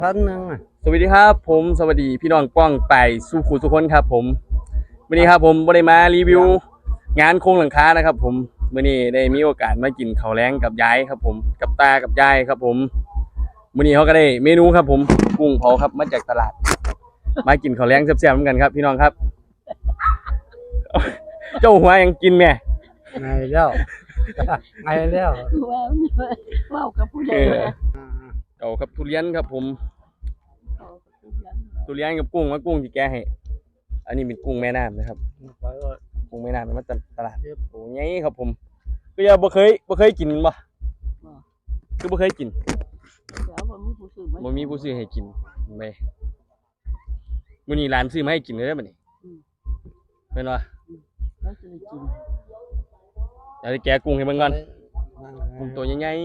1,000 สวัสดีครับผมสวัสดีพี่น้องป้องไปสู่ขู่ทุกคนครับผมวันนี้ครับผมบ่ได้มารีวิวงานโครงหลังคานะครับผมวันนี้ได้มีโอกาสมากินข้าวแล้งกับยายครับผมกับตากับยายครับผมวันนี้เขาก็ได้เมนูครับผมกุ้งเผาครับมาจากตลาดมากินข้าวแล้งแซ่บๆเหมือนกันครับพี่น้องครับเจ้าหัวยังกินแม่ไงแล้วไงแล้วว้าวกับผู้ใหญ่เก่าครับทุเรียนครับผมทุเรียนกับกุ้งว่ากุ้งที่แกให้อันนี้เป็นกุ้งแม่น้ำนะครับกุ้งแม่น้ำมาจากตลาดโอ้ยไงครับผมก็ยังบ่เคยกินบ่คือบ่เคยกินบ่มีผู้ซื้อให้กินไปมื้อนี้ร้านซื้อมาให้กินเลยบัดนี้แม่นบ่เดี๋ยวแกะกุ้งให้เบิ่งก่อนกุ้งตัวใหญ่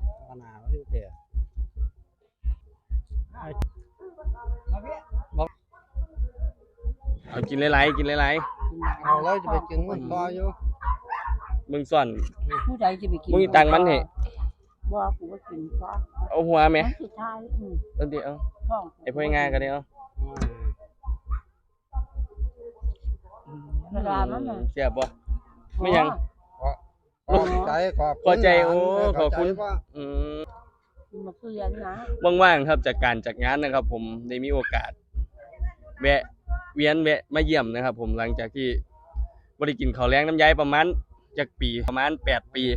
เอากินหลายๆกินหลายๆเอาแล้วจะไปกินมันต่ออยู่เบิ่งซ่อนผู้ใดจะไปกินมึงตังมันให้บ่กูก็กินซะเอาหัวแม่สุดท้ายเอาดิเอาไอ้พวกงานก็ได้เอาเวลามันน่ะเสียบบ่ไม่ยังขอบใจโอ้ขอบคุณมาเรียนนะว่างๆครับจากการจัดงานนะครับผมได้มีโอกาสแวะมาเยี่ยมนะครับผมหลังจากที่บ่ได้กินข้าวแล้งน้ำยายประมาณจากปีประมาณ8 ปี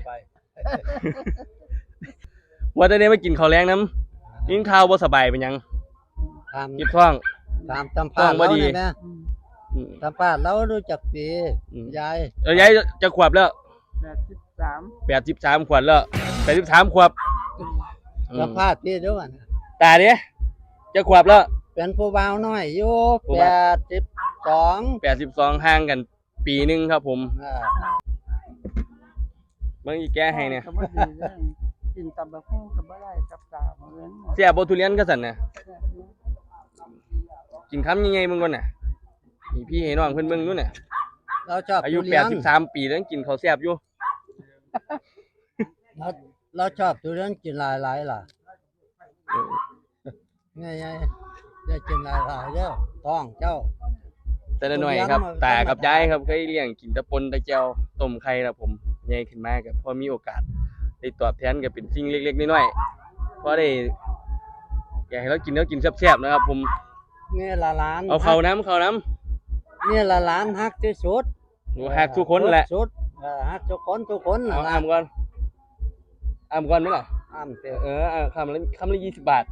ว่าจะได้มากินข้าวแล้งน้ำกินข้าวบ่สบายเป็นยังเก็บท้องตามป้าเราเนี่ยนะตามป้าเรารู้จักปียายยายจะขวบแล้ว 83 ขวบแล้ว83ขวบตามป้าพี่ด้วยกันตาเด้จะขวบแล้วเป็นผู้บ่าวน้อยอยู่82 ห่างกันปีนึงครับผมเบิ่งอีแกให้เนี่ยกินตำบักหุ่งก็บ่ได้กับกาเหมือนเสียบ่ทุเรียนก็สั่นน่ะกินคำยังไงมึงก่อนน่ะนี่พี่ให้น้องเพิ่นเบิ่งนู่นน่ะเราชอบอายุ83ปีแล้วกินข้าวแซ่บอยู่เราชอบทุเรียนกินหลายๆล่ะไงได้กินหลายๆเด้อท้องเจ้าแต่ละหน่อยครับตากับยายครับเคยเลี้ยงกินตะปนตะแก้วต้มไข่ครับผมใหญ่ขึ้นมาก็พอมีโอกาสได้ตอบแทนก็เป็นสิ่งเล็กๆน้อยๆพอได้อยากให้เรากินแซ่บๆนะครับผมนี่ละล้านเอาเข้าน้ำนี่ละล้านฮักที่สุดฮักทุกคนแหละสุดฮักทุกคนเอาอ้ำก่อนมั้ยล่ะอ้ำคำละ20 บาท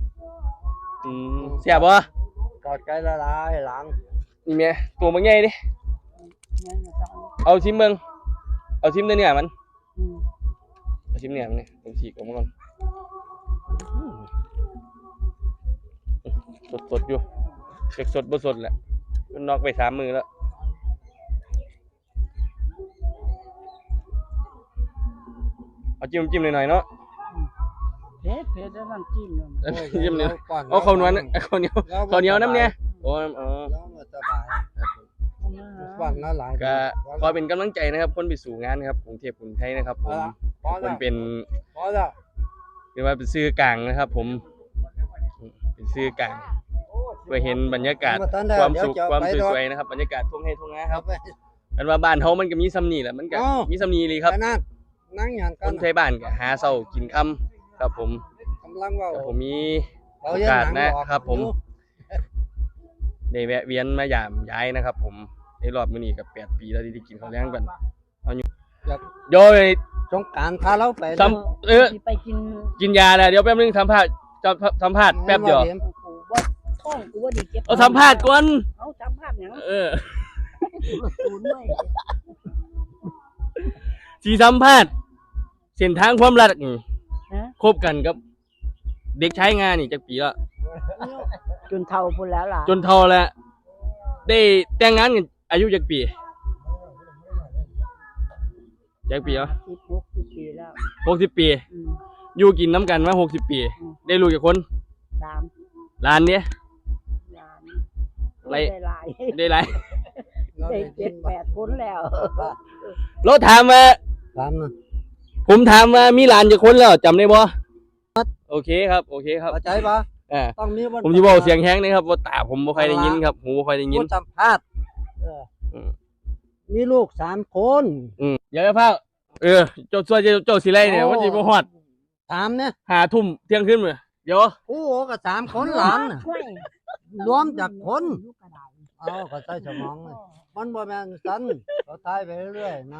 แซ่บบ่กอดใจละลายหลังนี่แม่ตัวมันใหญ่ดิเอาชิมเบิ่งเอาชิมเนื้อมันเอาชิมเนื้อมันนี่ผมฉีกออกมาก่อนสดอยู่เด็กสดบ่สดแหละมันนอกไป3 มือแล้วเอาจิ้มหน่อยๆเนาะเผ็ดแล้วน้ำจิ้มจิ้มเนี่ยเอาข้าวเหนียวน้ำเนี่ยโอ้ก็ขอเป็นกำลังใจนะครับคนไปสู่งานครับกรุงเทพกรุงไทยนะครับผมคนเป็นเรียกว่าเป็นซื้อกลางนะครับผมเป็นซื้อกลางเพื่อเห็นบรรยากาศความสุขความสวยๆนะครับบรรยากาศทุ่งไร่ทุ่งนาครับกันว่าบ้านเขามันก็มีซ้ำนี่แหละมันก็มีซ้ำนี่เลยครับคนไทยบ้านก็หาเช้ากินค่ำครับผมผมมีโอกาสนะครับผมได้แวะเวียนมายามย้ายนะครับผมในรอบมื้อนี้กับ8 ปีแล้วที่ได้กินข้าวแล้งกันเอาอยู่โยยสงกรานต์พาเราไปไปกินยาแล้วเดี๋ยวแป๊บนึงสัมภาษณ์แป๊บเดียวท้องกูว่าดีเก็บเอาสัมภาษณ์ก่อนเอาสัมภาษณ์หยังสิสัมภาษณ์เส้นทางความรักคบกันกับเด็กใช้งานนี่จักปีแล้วจนเฒ่าพุ่นแล้วล่ะจนเฒ่าแล้วได้แต่งงานกันอายุจักปีจักปีเหรอ 60 ปีแล้ว 60 ปีอยู่กินน้ำกันมา60 ปีได้ลูกกี่คน 3 ล้านเนี่ยได้หลายได้ 7-8 คนแล้วเราถามว่าผมถามว่ามีหลานกี่คนแล้วจำได้บ่โอเคครับเข้าใจปะต้องมีผมสิเว้าเสียงแฮงนะครับว่าตาผมบ่ค่อยได้ยินครับหูบ่ค่อยได้ยินผู้สัมภาษณ์มีลูก3 คนเดี๋ยวพาเจ้าเจ้าสิไล่เนี่ยวันสิบ่ฮอดถามเนี่ย 5 ทุ่มเที่ยงคืนมื้อเดี๋ยวโอ้โหก็3 คนหลานน่ะรวมจากคนก็ใส่สมองเลยมันบ่แม่นซั่นก็ตายไปเรื่อยๆนะ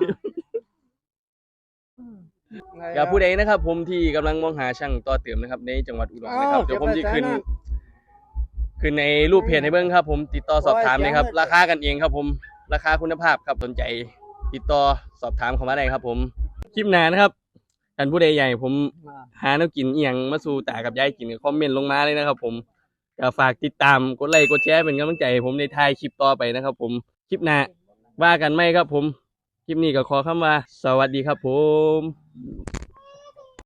กับผู้ใดนะครับผมที่กำลังมองหาช่างต่อเติมนะครับในจังหวัดอุดรนะครับเดี๋ยวผมจะขึ้นในรูปเพจให้เบิ่งครับผมติดต่อสอบถามเลยครับราคากันเองครับผมราคาคุณภาพครับสนใจติดต่อสอบถามเข้ามาได้ครับผมคลิปหน้านะครับท่านผู้ใดใหญ่ผมหาแนวกินอีหยังมาสู่ตากับยายกินคอมเมนต์ลงมาเลยนะครับผมก็ฝากติดตามกดไลค์กดแชร์เป็นกำลังใจให้ผมในถ่ายคลิปต่อไปนะครับผมคลิปหน้าว่ากันไหมครับผมคลิปนี้ก็ขอคำว่าสวัสดีครับผม